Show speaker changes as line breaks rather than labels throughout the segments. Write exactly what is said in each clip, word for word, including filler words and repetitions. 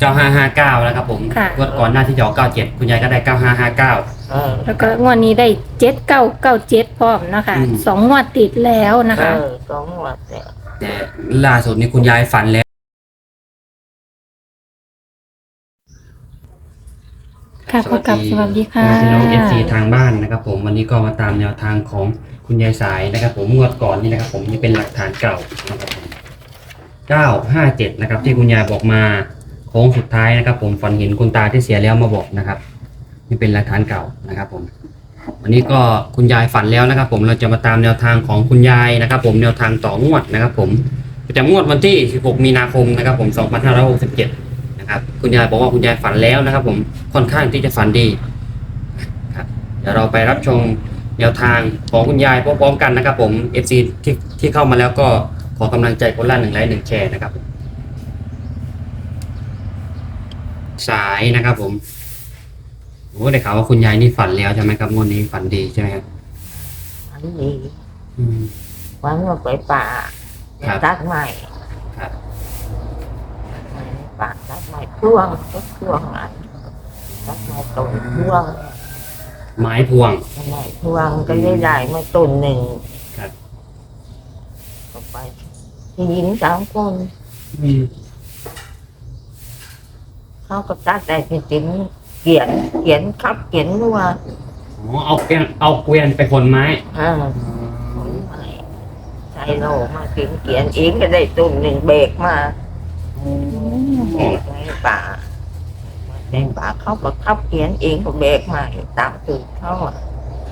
ก้าห้าห้าเก้าแล้วครับผม
ค่ะ
งวดก่อนหน้าที่จะออกเก้าเจ็ดคุณยายก็ได้เก้าห้าห้าเก้า
เออ
แล้วก็งวดนี้ได้เจ็ดเก้าเก้าเจ็ดพร้อมเนาะค่ะ
อืม
สองงวดติดแล้วนะ
เอ
คะ
อสองวัดเนี่ย
แต่ล่าสุดนี้คุณยายฝันแล้ว
ค่ะพบกับสวัสดีค่ะ
พี่น้องเอฟซีทางบ้านนะครับผมวันนี้ก็มาตามแนวทางของคุณยายสายนะครับผมงวดก่อนนี่นะครับผมนี่เป็นหลักฐานเก่านะครับผมเก้าห้าเจ็ดนะครับที่คุณยายบอกมาโค้งสุดท้ายนะครับผมฝันเห็นคุณตาที่เสียแล้วมาบอกนะครับนี่เป็นหลักฐานเก่านะครับผมวันนี้ก็คุณยายฝันแล้วนะครับผมเราจะมาตามแนวทางของคุณยายนะครับผมแนวทางต่องวดนะครับผมประจำงวดวันที่สิบหกมีนาคมนะครับผมสองพันห้าร้อยหกสิบเจ็ดนะครับคุณยายบอกว่าคุณยายฝันแล้วนะครับผมค่อนข้างที่จะฝันดีครับเดี๋ยวเราไปรับชมแนวทางของคุณยายพร้อมๆกันนะครับผม เอฟ ซี ที่ที่เข้ามาแล้วก็ขอกำลังใจคนละหนึ่งไลค์หนึ่งแชร์นะครับสายนะครับผมโอ้ได้ข่าวว่าคุณยายนี่ฝันแล้วใช่ไหมครับงวดนี้ฝันดีใช่ไหมครับ
อันนี้
อืม
วันว่าไปป่า
ครับ
ตัดใหม่
ครับ
ป่าตัดใหม่พ่วงก็พ่วงอันตัดใหม่ตุ่นพ่วง
ไม้พวง
ใหม่พ่วงก็ได้ได้มาตุ่นหนึ่ง
ครับ
ก็ไปที่หญิงสามคน
อืม
เขาก็ตัดได้จริงๆเขียนเขียนครับเขียนว่า
อ๋อเอาเกวียนเอาเกวียนไปขนไม้
อ่าใส่โลมาเขียนเขียนเองก็ได้ตุ่นหนึ่งเบรกมาเบรกในป่าในป่าเขาก็ขับเขียนเองก็เบรกมาตามตื่นเขาอ่ะ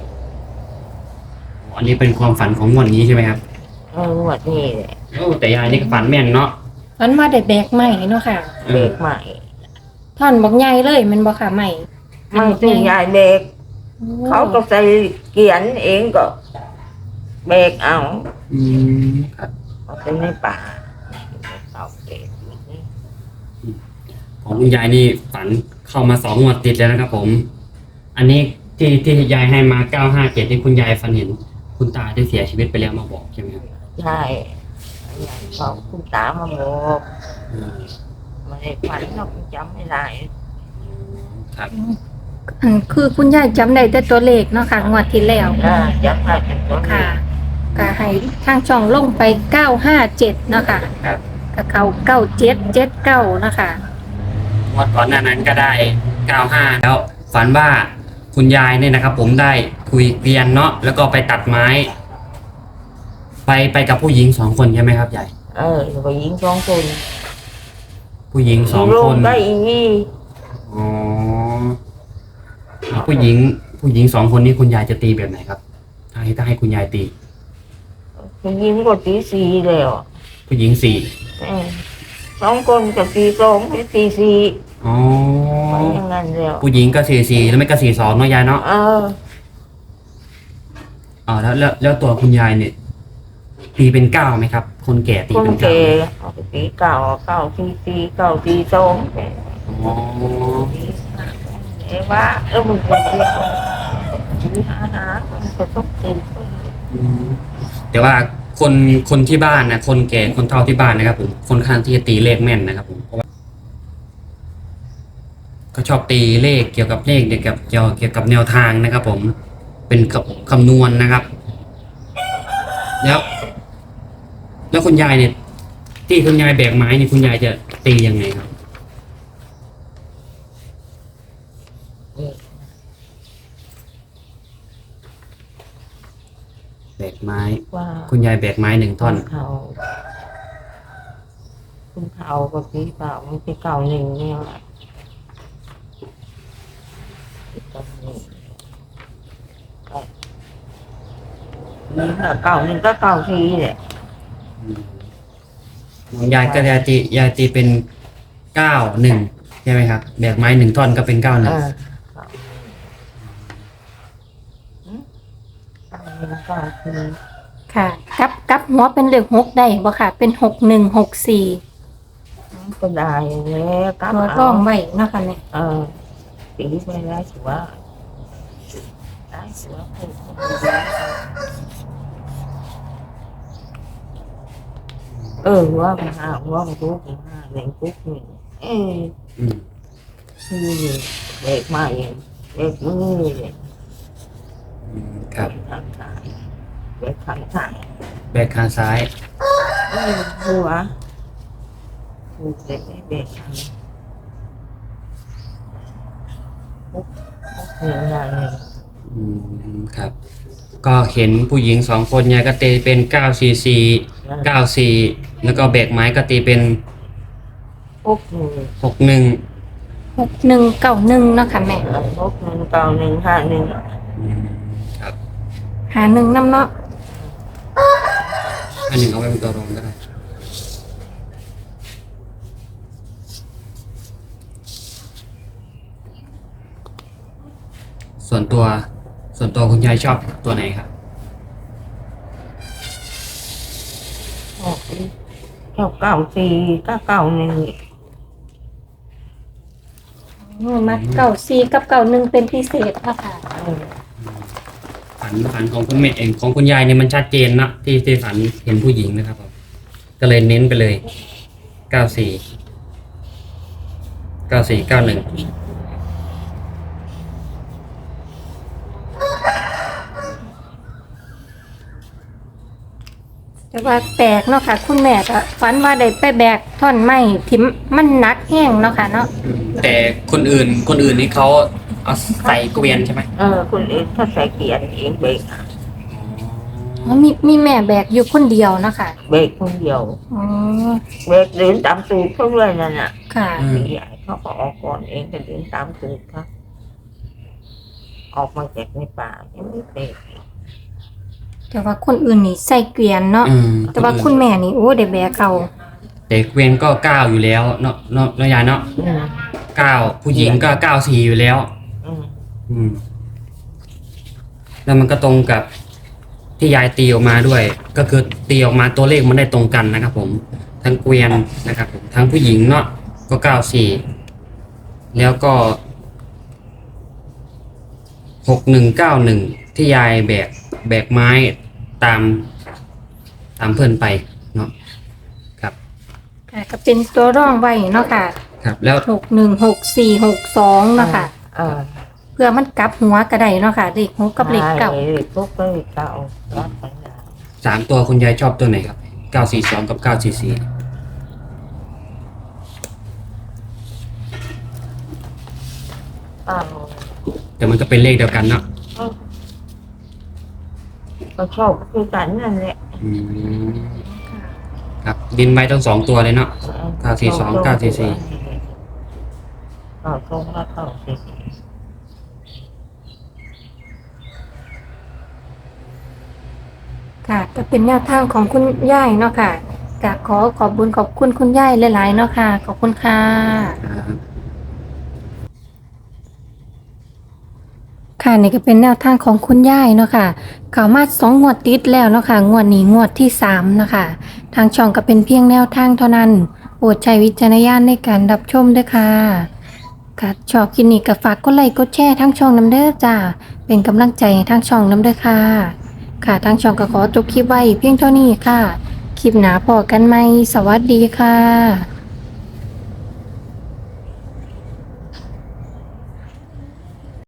อันนี้เป็นความฝันของงวดนี้ใช่ไหมครับ
เออวัดนี้แหละ
โอ้แต่ยายนี่ก็ฝันแม่นเนาะ
มันมาได้แบกใหม่เนาะค่ะ
เอ
เบร
อก
ใหม่
ท่อนบอกใหญ่เลยแมันบอกค่ะใหม่
ไม่ถึงยายเบรกเขาก็ใส่เขียนเองก็เบรกเอา
อืมครับ
เอาไปในป่าเอาเบรกอยู่นี่
ของคุณยายนี่ฝันเข้ามาสองงวดติดแล้วนะครับผม อันนี้ที่ที่ยายให้มาเก้าห้าเจ็ดที่คุณยายฝันเห็น คุณตาได้เสียชีวิตไปแล้วมาบอกใช่ไหมครับ
ใช่ยายเขาคุณตามาบอก
อืม
ไม่ได้ฝันเราจำไม่ได้
ครับ
อันคือคุณยายจำได้แต่ตัวเลขเนาะค่ะงวดที่แล้ว
อ่าจำได้เป็นตัว
ค่ะก็ให้ทางช่องลงไปเก้าห้าเจ็ดเนาะค่ะ
ครับ
ก็เขาเก้าเจ็ดเจ็ดเก้าเนาะค่ะ
งวดก่อนหน้านั้นก็ได้เก้าห้าแล้วฝันว่าคุณยายเนี่ยนะครับ ผมได้คุยเกวียนเนาะแล้วก็ไปตัดไม้ ไปไปกับผู้หญิงสองคนใช่ไหมครับยาย
เออไปยิงสองคน
ผู้หญิงสอง
ล
ค
ง
น
ได้อีนี่
อ๋อผู้หญิง ผู้หญิงสองคนนี้คุณยายจะตีแบบไหนครับ ถ้าให้ถ้าให้คุณยายตี
ไปยิงก็ตีสี่แล้ว
ผู้หญิงสี่
เออสองคนกับตีสองไปตีสี่
อ๋อ
ไปอย่างนั้นแล้ว
ผู้หญิงก็สี่สี่แล้วไม่ก็สี่สองเนาะยายเนาะ
เออ
อ๋อแล้วแล้วแล้วตัวคุณยายเนี่ย ตีเป็นเก้าไหมครับ คนแก่ตี
คน
เป็นเก้า
เก
ไหม
เอาไปตีเก่าเก่าตีสี่เก่าตีสอง
อ๋อ
เอ้ว่าเออมึงคนเดียวตีหาหามันก็ต้องตี
อืมแต่ว่าคนคนที่บ้านนะคนแก่คนเฒ่าที่บ้านนะครับผมค่อนข้างที่จะตีเลขแม่นนะครับผมเพราะว่าก็ชอบตีเลขเกี่ยวกับเลขเกี่ยวกับเกี่ยวเกี่ยวกับแนวทางนะครับ ผมเป็นคำนวณนะครับ แล้ว แล้วคุณยายเนี่ย ที่คุณยายแบกไม้นี่คุณยายจะตียังไงครับแบกไม้
ว่า
คุณยายแบกไม้หนึ่งท่อน
เขาคุณเขาก็ตีเก่ามันตีเก่าหนึ่งเนี่ยแหละตีเก่าหนึ่งก็นี่ค่ะเก่าหนึ่งก็เก่าทีแหละ
ของยายก็ยายตียายตีเป็นเก้าหนึ่งใช่ไหมครับแบกไม้หนึ่งท่อนก็เป็นเก้าหนึ่ง
อ่าเก่าหนึ่งเก่าที
ค่ะกับกับหัวเป็นเลขหกได้บ่ค่ะ เป็นหกหนึ่งหกสี่
ก็ได้แล้วกลับ
ตัว
เอา
ร่องไว้เนาะค่ะเนี่ย
เออตีไปได้ถือว่าได้ถือว่าพูดเออว่าไปหาว่าไปรู้ไปหาหนึ่งปุ๊บหนึ่งเออ
อืม
นี่เบรกมาเองเบรกมือเลย
อืมครับ
ทางซ้ายเบรกข้างทาง
แบกขาซ้าย
เออหัวหัวเบรกไม่เบรกทางปุ๊บปุ๊บหนึ่งอย่างหนึ่ง
อืมครับ ก็เห็นผู้หญิงสองคนเนี่ยก็ตีเป็นเก้าสี่สี่เก้าสี่แล้วก็แบกไม้ก็ตีเป็น
ปุ๊บหนึ่ง
หกหนึ่ง
หกหนึ่งเก้าหนึ่งเนาะค่ะแม่
ปุ๊บหนึ่งเก้าหนึ่งห้าหนึ่ง
อืมครับ
หาหนึ่งน้ำเนาะ
อันหนึ่งเอาไว้เป็นตัวรองก็ได้ส่วนตัวส่วนตัวคุณยายชอบตัวไหนครับ
ออกเก้าเก้าสี่เก้าเก้าหนึ่ง
อืมมัดเก้าสี่กับเก้าหนึ่งเป็นพิเศษเนาะค่ะ
เออ
ฝันฝันของคุณแม่เองของคุณยายเนี่ยมันชัดเจนเนอะที่ที่ฝันเห็นผู้หญิงนะครับผมก็เลยเน้นไปเลยเก้าสี่เก้าสี่เก้าหนึ่ง
แต่ว่าแปลกเนาะค่ะ คุณแม่ก็ฝันว่าได้ไปแบกท่อนไม้ที่มันหนักแห้งเนาะค่ะเนาะ
แต่คนอื่นคนอื่นนี่เขาเอาใส่เกวียนใช่ไหม
เออคุณเองถ้าใส่เกียร์เองเบรก
อ๋อมีมีแม่แบกอยู่คนเดียวเนาะค่ะ
เบรกคนเดียว
อ๋อ
เบรกเดินตามตูดเขาเลยนั่นน่ะ
ค่ะ
อืม
ใหญ่เขาก็ออกก่อนเองก็เดินตามตูดเขาออกมาจากในป่ายังไม่เบรก
แต่ว่าคนอื่นนี่ใส่เกวียนเนาะ
อืม
แต่ว่าคุณแม่นี่โอ้ได้แบกเอา
แต่เกวียนก็เก้าอยู่แล้วเนาะเนาะเนาะยายเนาะ
อืม
เก้าผู้หญิงก็เก้าสี่อยู่แล้ว
อืม
อืม แล้วมันก็ตรงกับที่ยายตีออกมาด้วย ก็คือตีออกมาตัวเลขมันได้ตรงกันนะครับผม ทั้งเกวียนนะครับผมทั้งผู้หญิงเนาะก็เก้าสี่แล้วก็หกหนึ่งเก้าหนึ่งที่ยายแบกแบกไม้ตามตามเพื่อนไปเนาะครับ
ค่ะก็เป็นตัวร่องไว้เนาะค่ะ
ครับ แล้ว
หกหนึ่งหกสี่หกสองเนาะค่ะ
เออ
เพื่อมันกลับหัวก็ได้เนาะค่ะเลขหกกับเลขเก้า
ใช่เลขปุ๊บก็เลขเก้ารับไปได้
สามตัวคุณยายชอบตัวไหนครับเก้าสี่สองกับเก้าสี่สี่
เก้า
แต่มันก็เป็นเลขเดียวกันเนาะ
เออก็ชอบคือกันนั่นแหละ
อืมครับดินไว้ทั้งสองตัวเลยเนาะ เก้าสี่สองเก้าสี่สี่
เก้าสองและเก้าสี่สี่
ค่ะก็เป็นแนวทางของคุณย่ายเนาะค่ะก็ขอขอบบุญขอบคุณคุณย่ายหลายๆเนาะค่ะขอบคุณค่ะ
ครับ
ค่ะนี่ก็เป็นแนวทางของคุณย่ายเนาะค่ะเขามาสองงวดติดแล้วเนาะค่ะงวดนี้งวดที่สามเนาะค่ะทางช่องก็เป็นเพียงแนวทางเท่านั้นโปรดใช้วิจารณญาณในการรับชมด้วยค่ะค่ะชอบคลิปนี้ก็ฝากกดไลค์กดแชร์ทั้งช่องน้ำเด้อจ้าเป็นกำลังใจให้ทั้งช่องน้ำเด้อค่ะค่ะทางช่องก็ขอจบคลิปไว้เพียงเท่านี้ค่ะคลิปหน้าพอกันไหมสวัสดีค่ะ